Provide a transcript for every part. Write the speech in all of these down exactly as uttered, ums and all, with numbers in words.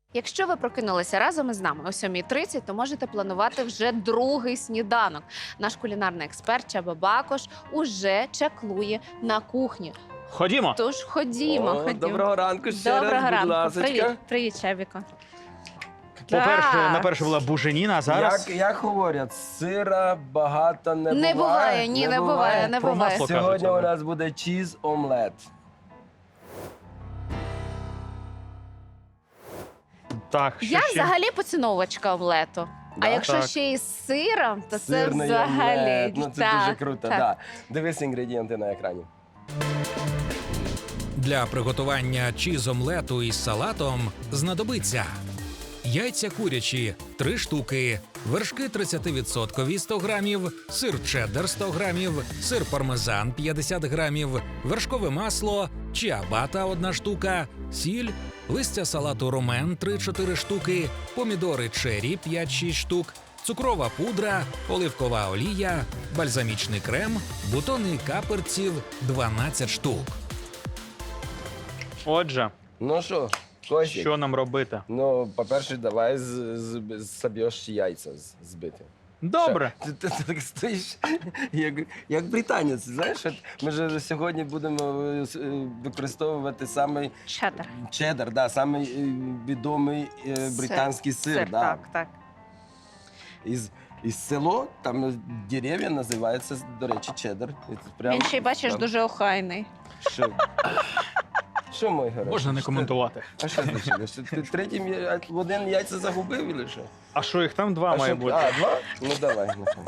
Якщо ви прокинулися разом із нами о сьомій тридцять, то можете планувати вже другий сніданок. Наш кулінарний експерт Чаба Бакош уже чаклує на кухні. Ходімо. Тож ходімо, О, ходімо. Доброго ранку ще Доброго раз, будь ранку. ласочка. Привіт, привіт, Чабіко. По-перше, Так. на перше була буженіна, а зараз Як, як говорять, сира багато не, Не буває. буває, ні, не буває, не Про буває. масло Сьогодні кажуть, у але. нас буде чіз-омлет. так, що Я ще? взагалі поціновувачка омлету. А Да? якщо Так. ще із сиром, то це Сирний взагалі. омлет. Ну, це Так, дуже круто, так. Да. Дивись інгредієнти на екрані. Для приготування чіз-омлету із салатом знадобиться яйця курячі – три штуки, вершки тридцять відсотків сто грамів, сир чеддер сто грамів, сир пармезан п'ятдесят грамів, вершкове масло, чіабата одна штука, сіль, листя салату ромен три-чотири штуки, помідори чері п'ять-шість штук, цукрова пудра, оливкова олія, бальзамічний крем, бутони каперців дванадцять штук. Отже, Ну що, Костік? що нам робити? Ну, по-перше, давай з, з, соб'єш яйця з- збити. Добре. Ти, ти, ти так стоїш, як, як британець, знаєш? От ми ж сьогодні будемо е, с- е, використовувати самий Чеддер. чеддер, да, самий е, відомий е, Сир. британський сир. Сир, да. так, так. Із, із село, там е, дерев'я називається, до речі, чеддер. І це прям Він ще й бачиш там- дуже охайний. Що? Що, мой герой? Можна не Що ти- коментувати. А що значить? Що ти третім я- в один яйця загубив, чи що? А що, їх там два А має що- бути? А, два? Ну давай, нехай.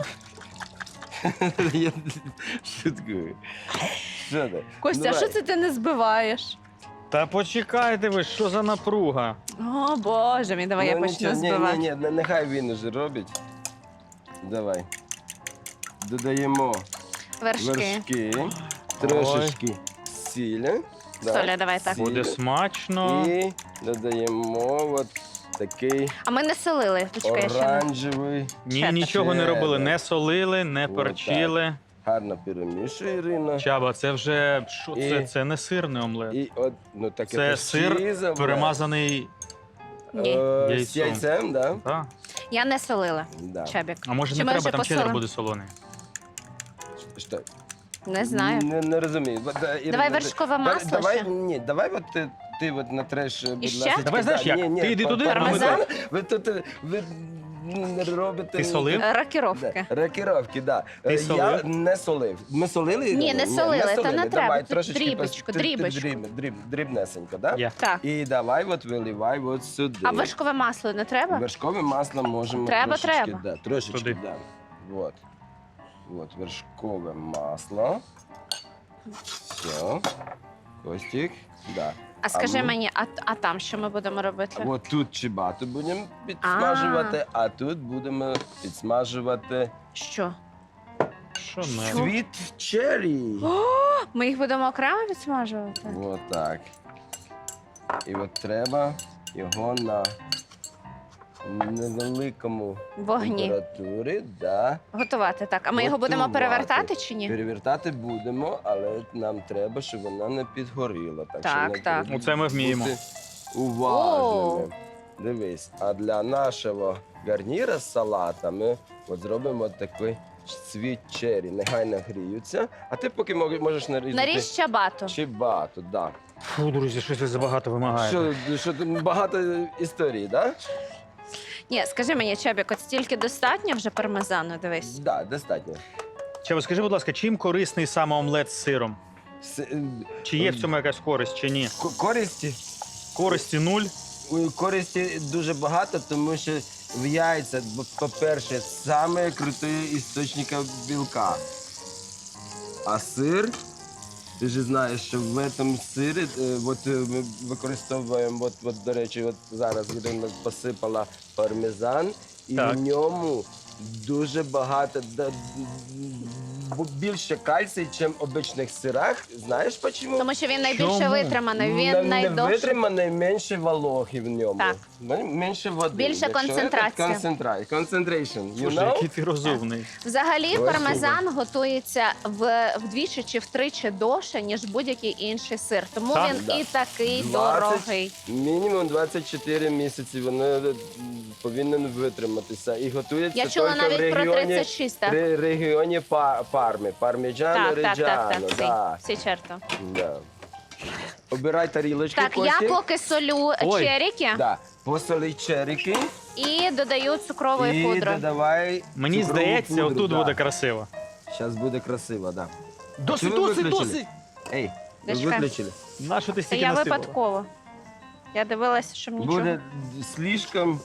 Я шуткую. Що ти? Костя, а Давай. що це ти не збиваєш? Та почекайте ви, що за напруга? О, Боже мій, давай я Ну, почну нічого, ні, збивати. Ні, ні, нехай він уже робить. Давай. Додаємо Вершки. вершки, трошечки сілі. да, Соля, давай так. сілі. Буде смачно. І додаємо от такий А ми не солили. Почекай, я ще не. оранжевий. Ні, Чеддер. нічого не робили, Чеддер. не солили, не Вот перчили. Гарно перемішуй, Ірина. Чаба, це вже що І- це? Це не сирний омлет. І от, ну таке Це теж сир чізове. перемазаний. Ні. Е, з Яйцом. яйцем, да? Та. Я не солила. Да. Чабік. А може Чи не ми треба, вже там чеддер посолимо? буде солоний. Що? Не знаю. Не, не розумію. Ба- да, Ірина, Давай ти- вершкове да- масло Давай, ще. ні, давай от ти, ти от натреш, будь ще? ласка. Давай, знаєш як? Ні, ні, Ти йди па- туди, а ми пармезан. Ви тут, е, ви не робите... Ти солив? Рокіровки. Да, рокіровки, да. Ти Е, Я солив? не солив. Ми солили? Ні, Ірина? не солили, та не треба. Давай, Тут трошечки дрібочку, пос- ти- ти дрібочку. дріб- дріб- Дрібнесенько, да? Я. Так. І давай от виливай от сюди. А вершкове масло не треба? Вершкове масло можемо Треба, трошечки, треба. Да, трошечки, Туди. да. Вот. Вот вершкове масло. Все. Костик, да. А скажи ми- мені, а, а там що ми будемо робити? От тут чибату будемо підсмажувати, а тут будемо підсмажувати Що? Що не? світ черрі. Ми їх будемо окремо відсмажувати? Вот так. І от треба його на невеликому Вогні. температурі, да. Готувати, так. А ми його будемо Готувати. перевертати чи ні? Перевертати будемо, але нам треба, щоб вона не підгоріла. Так, Так, що не так. треба Ну, це ми вміємо. бути уважними. Дивись, а для нашого гарніра з салатами от зробимо такий світ черрі. Нехай нагріються. А ти поки мог- можеш нарізати Наріж чабату. чибату. Да. Фу, друзі, щось ви забагато вимагаєте. Що, що тут багато історій, так? Да? Ні, скажи мені, Чабік, от стільки достатньо вже пармезану, дивись. Да, достатньо. Чаба, скажи, будь ласка, чим корисний саме омлет з сиром? С- е, Чи є в цьому якась користь, чи ні? к- Користі, Користі нуль. у користі дуже багато, тому що в яйцях, бо, по-перше, саме крутий істочник білка. А сир, ти ж знаєш, що в цьому сирі, е, от е, ми використовуємо, от, от, до речі, от зараз Ірина посипала пармезан, і Так. в ньому дуже багато, да- бу- більше кальцій, ніж в обичних сирах. Знаєш чому? Тому що він найбільше Чому? витриманий, він Не- не найдовше. витриманий, менше вологи в ньому. Так. Мен- Менше води. Більше Якщо концентрація. це Концентрація. Concentration. You Слушай, know? який ти розумний. Взагалі, Ой, пармезан готується в, вдвічі чи втричі довше, ніж будь-який інший сир. Тому Так? він Да. і такий двадцять дорогий. Мінімум двадцять чотири місяці вони е, повинен витриматися. І готується Я чула тільки в навіть про регіоні, тридцять шість, так? ре- регіоні па, Парми. Парміджано, Так, так, так, Реджано. так, Да. всі, всі черто. Да. Обирай тарілочки, Так, я Костік. поки солю Ой. черіки Да. Посоли черіки і додаю цукрової і пудри. додавай Мені цукрову здається, пудру, отут да. буде красиво. Зараз буде красиво, так. Да. Досить, Чого ви досить, виключили? досить. Ей, ви Дочка. виключили. На що ти Це стільки я насипала? випадково. Я дивилася, щоб нічого. Буде слишком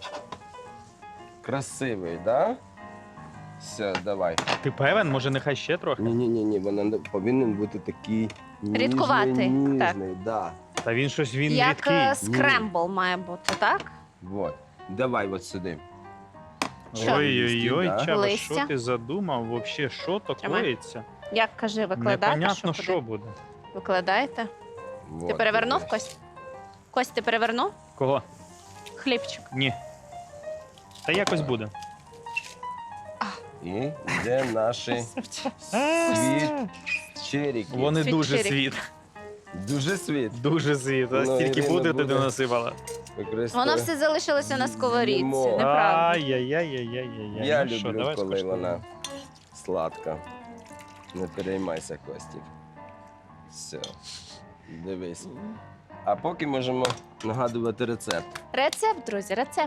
красивий, да? Все, давай. Ти певен? Може, нехай ще трохи? Ні-ні-ні, вона не- повинен бути такий ніжний, Рідкуватий, ніжний, да. Та він щось, він Як рідкий. е, скрембл має бути, так? Вот. Давай от сюди. Що? Ой-ой-ой, Да. Чаба, Листя. що ти задумав? Вообще, що то Тримай. коїться? Як кажи, викладаєте? Непонятно, що, що куди? буде. Викладаєте? Вот, Ти перевернув, дивись. Кость? Кость, ти перевернув? Кого? Хлібчик. Ні. Та якось буде. І де наші світ черіки. Вони Світ дуже чирік. світ. Дуже світ. Дуже світ. А Ну, стільки Ірина буде, ти буде. не насипала. Використовує. Воно все залишилося на сковорідці, Їмо. неправда. Ай-яй-яй-яй-яй. Я Ну що, люблю, давай коли скуштуємо. вона сладка. Не переймайся, Костік. Все. Дивись. А поки можемо нагадувати рецепт. Рецепт, друзі, рецепт.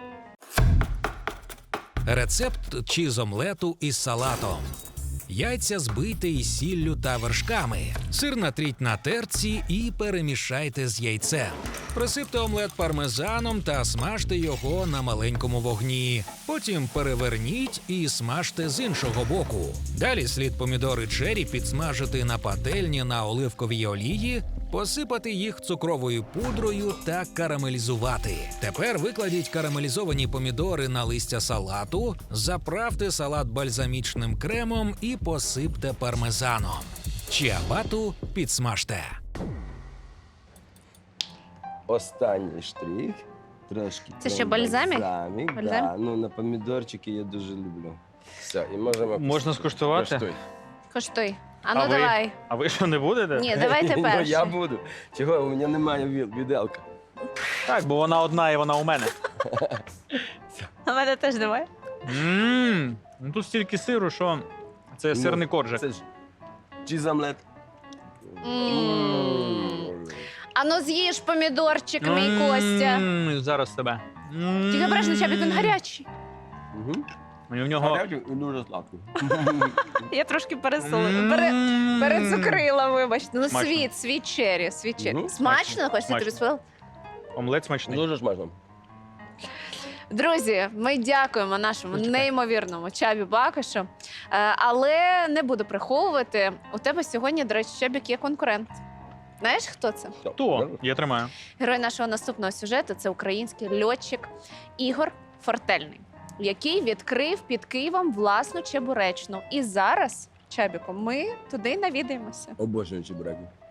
Рецепт чіз-омлету із салатом. Яйця збийте із сіллю та вершками. Сир натріть на терці і перемішайте з яйцем. Присипте омлет пармезаном та смажте його на маленькому вогні. Потім переверніть і смажте з іншого боку. Далі слід помідори чері підсмажити на пательні на оливковій олії, посипати їх цукровою пудрою та карамелізувати. Тепер викладіть карамелізовані помідори на листя салату, заправте салат бальзамічним кремом і посипте пармезаном. Чіабату підсмажте. Останній штрих. Трошки. Це ще крем бальзамік? Бальзамік, Бальзам? да. Ну, на помідорчики я дуже люблю. Все, і можемо... Можна скуштувати? Коштуй. Коштуй. А ну А ви? давай. А ви що, не будете? Ні, давайте Ну, перший. я буду. Чого? У мене немає віл- віделка. Так, бо вона одна і вона у мене. А мене теж давай. Ммм, ну тут стільки сиру, що це Ну, сирний коржик. Це ж чіз-омлет. М. А ну з'їж помідорчик, мій Костя. Ммм, зараз тебе. Ммм. Тільки обережно, Чабік, він гарячий. Угу. І в нього... Гарячий і дуже сладкий. Я трошки пересолила. Ммм. Пере... Перецукрила, вибачте. Ну, Смачно. світ, світ чері, світ чері. Мгм. Смачно, Костя, тобі Смачно. сподобалось? Омлет смачний. Дуже смачно. Друзі, ми дякуємо нашому Почекай. неймовірному Чабі Бакошу. Е, Але не буду приховувати. У тебе сьогодні, до речі, Чабік є конкурент. Знаєш, хто це? Хто? Я тримаю. Герой нашого наступного сюжету це український льотчик Ігор Фортельний, який відкрив під Києвом власну чебуречну. І зараз, Чабіко, ми туди навідаємося. Обожнюю чебуреки.